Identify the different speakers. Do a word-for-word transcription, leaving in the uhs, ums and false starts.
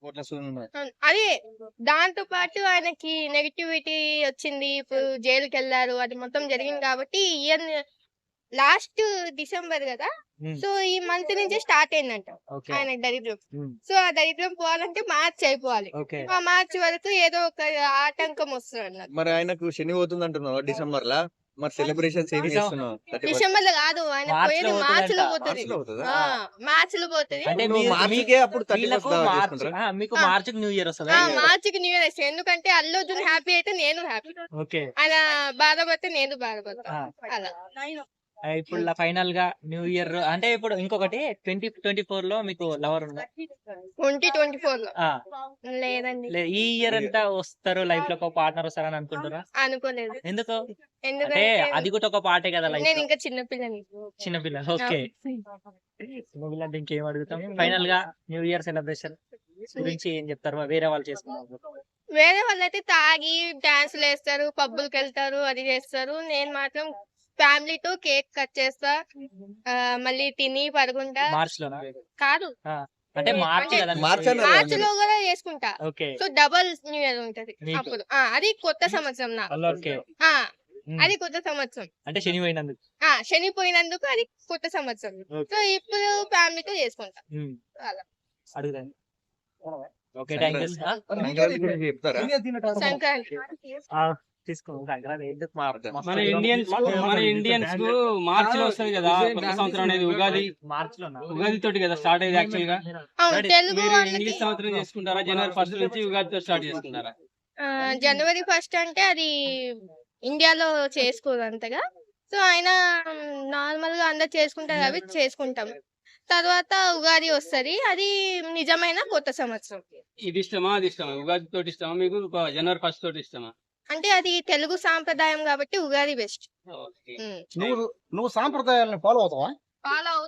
Speaker 1: కోట్ల సూర్యుడున్నాడు.
Speaker 2: అవును. అదే దాంతో పాటు ఆయనకి నెగటివిటీ వచ్చింది. ఇప్పుడు జైలుకెళ్లారు. అది మొత్తం జరిగింది కాబట్టి ఈ ఇయర్ లాస్ట్ డిసెంబర్ గదా!
Speaker 1: హ్మ్.
Speaker 2: సో, ఈ మంత్ నుంచే స్టార్ట్ అయిందంట
Speaker 1: ఓకే.
Speaker 2: ఆయనకి దరిద్రం.
Speaker 1: హ్మ్.
Speaker 2: సో, ఆ దరిద్రం పోవాలంటే మార్చ్ అయిపోవాలి.
Speaker 1: ఓకే.
Speaker 2: ఆ మార్చ్ వరకు ఏదో ఒక ఆటంకం వస్తదన్నారు.
Speaker 1: మరి ఆయనకు శని పోతుందంటున్నావా డిసెంబర్‌లా? మరి సెలబ్రేషన్స్ ఏం
Speaker 3: డిసెం
Speaker 1: చేస్తున్నావు? థర్టీ ఫస్ట్
Speaker 2: డిసెంబర్‌లో గాదు. ఆయన
Speaker 3: మార్చ్‌లో
Speaker 2: పోయేది మార్చ్‌లో
Speaker 3: పోతదంట.
Speaker 2: పోతది.
Speaker 1: మార్చ్‌లో పోతదా?
Speaker 2: ఆ!
Speaker 3: ఆ!
Speaker 2: మార్చ్‌లో పోతది.
Speaker 3: అంటే
Speaker 1: నువ్వు
Speaker 3: మీరు మీ
Speaker 1: మార్చికే అప్పుడు థర్టీ
Speaker 3: వీళ్ళకు
Speaker 1: ఫస్ట్ దావత్
Speaker 3: మార్చ్
Speaker 1: చేసుకుంటారా?
Speaker 3: ఆ! మీకు
Speaker 2: ఆ!
Speaker 3: మార్చ్‌కి న్యూ ఇయర్ వస్తదా?
Speaker 2: ఆ! మార్చికి న్యూ ఇయర్ వస్తది. ఎందుకంటే అల్లు అర్జున్ హ్యాపీ అయితే నేను హ్యాపీ.
Speaker 3: ఓకే.
Speaker 2: ఆయన బాధపడితే నేను బాధపడతా.
Speaker 3: ఆ!
Speaker 2: అలా.
Speaker 3: ఆహ్, ఇప్పుడు ల ఫైనల్‌గా న్యూ ఇయర్ అంటే ఇప్పుడు ఇంకొకటి ట్వంటీ ట్వంటీ ఫోర్‌లో మీకు లవర్ ఉందా?
Speaker 2: ట్వంటీ ట్వంటీ ఫోర్‌లో
Speaker 3: ఆ!
Speaker 2: లేదండి.
Speaker 3: లే ఈ ఇయర్ అంతా వస్తారు లైఫ్‌లో ఒక పార్ట్నర్ వస్తారని అనుకుంటుర్రా?
Speaker 2: అనుకోలేదు.
Speaker 3: ఎందుకు? అంటే
Speaker 2: ఎందుకంటే
Speaker 3: అది కూడా ఒక పార్టే కదా లైఫ్‌లో.
Speaker 2: నేనింకా చిన్న పిల్లని.
Speaker 3: చిన్న పిల్ల.
Speaker 2: ఆ!
Speaker 3: ఓకే. చిన్న పిల్ల అంటే ఇంకేం అడుగుతాం. ఫైనల్‌గా న్యూ ఇయర్ సెలబ్రేషన్ గురించి ఏం చెప్తారు? వేరే వాళ్ళు చేసుకున్నప్పుడు.
Speaker 2: వేరే వాళ్ళైతే తాగి డాన్సులేస్తారు, పబ్బులకెళ్తారు, అది చేస్తారు. నేను మాత్రం ఫ్యామిలీతో కేక్ కట్ చేస్తా. ఆహ్, మళ్ళీ తిని పడుకుంటా.
Speaker 3: మార్చ్‌లోనా?
Speaker 2: కాదు.
Speaker 3: ఆ! అంటే మార్చ్
Speaker 2: అంటే
Speaker 3: కదా మీకు
Speaker 1: మార్చ్
Speaker 3: న్యూ ఇయర్.
Speaker 1: అన్నారు కదా
Speaker 2: మార్చ్‌లో
Speaker 1: మీరు.
Speaker 2: గూడా చేసుకుంటా.
Speaker 3: Okay.
Speaker 2: So, double new year ఉంటది
Speaker 3: మీకు.
Speaker 2: అప్పుడు. ఆ! అది కొత్త సంవత్సరం నాకు.
Speaker 3: ఓకే.
Speaker 2: ఆ!
Speaker 3: హ్మ్.
Speaker 2: అది కొత్త సంవత్సరం.
Speaker 3: అంటే శని పోయినందుకు.
Speaker 2: ఆ! శని పోయినందుకు అది కొత్త సంవత్సరం.
Speaker 3: ఓకే.
Speaker 2: సో, ఇప్పుడు ఫ్యామిలీతో చేసుకుంటా.
Speaker 3: హ్మ్.
Speaker 2: అలా.
Speaker 3: అడుగుతాను. ఓకే. Thank you.
Speaker 1: సంక్రాంతి
Speaker 3: ఆ!
Speaker 1: సంక్రాంతి గురించి చెప్తారా?
Speaker 2: సంక్రాంతి.
Speaker 3: ఆ! తీసుకో. సంక్రాంతి ఎందుకు మా మస్తు
Speaker 4: మన
Speaker 3: దూరం
Speaker 4: ఇండియన్స్ కు మన ఇండియన్స్ కు మార్చి లో వస్తది కదా కొత్త సంవత్సరం అనేది ఉగాది.
Speaker 3: మార్చ్‌లోనా?
Speaker 4: ఉగాది తోటి కదా స్టార్ట్ అయ్యేది యాక్చువల్ గా.
Speaker 2: అవును. తెలుగు
Speaker 4: మీరు
Speaker 2: వాళ్ళకి
Speaker 4: ఇంగ్లీష్ సంవత్సరం చేసుకుంటారా? జనవరి ఫస్ట్ నుంచి ఉగాదితో స్టార్ట్ చేసుకుంటారా?
Speaker 2: ఆహ్, జనవరి ఫస్ట్ అంటే అది ఇండియాలో చేసుకోరు అంతగా. సో, అయినా నార్మల్‌గా అందరూ చేసుకుంటారు కాబట్టి చేసుకుంటాం. తర్వాత ఉగాది వస్తది. అది నిజమైన కొత్త సంవత్సరం.
Speaker 4: ఇది ఇష్టమా? అది ఇష్టమా? ఉగాది తోటి ఇష్టమా మీకు? ప- జనవరి ఫస్ట్ తోటి ఇష్టమా?
Speaker 2: అంటే అది తెలుగు సాంప్రదాయం కాబట్టి ఉగాది బెస్ట్.
Speaker 4: ఓకే.
Speaker 2: హ్మ్.
Speaker 5: నువ్వు నువ్వు సాంప్రదాయాలను ఫాలో అవుతావా?
Speaker 2: ఫాలో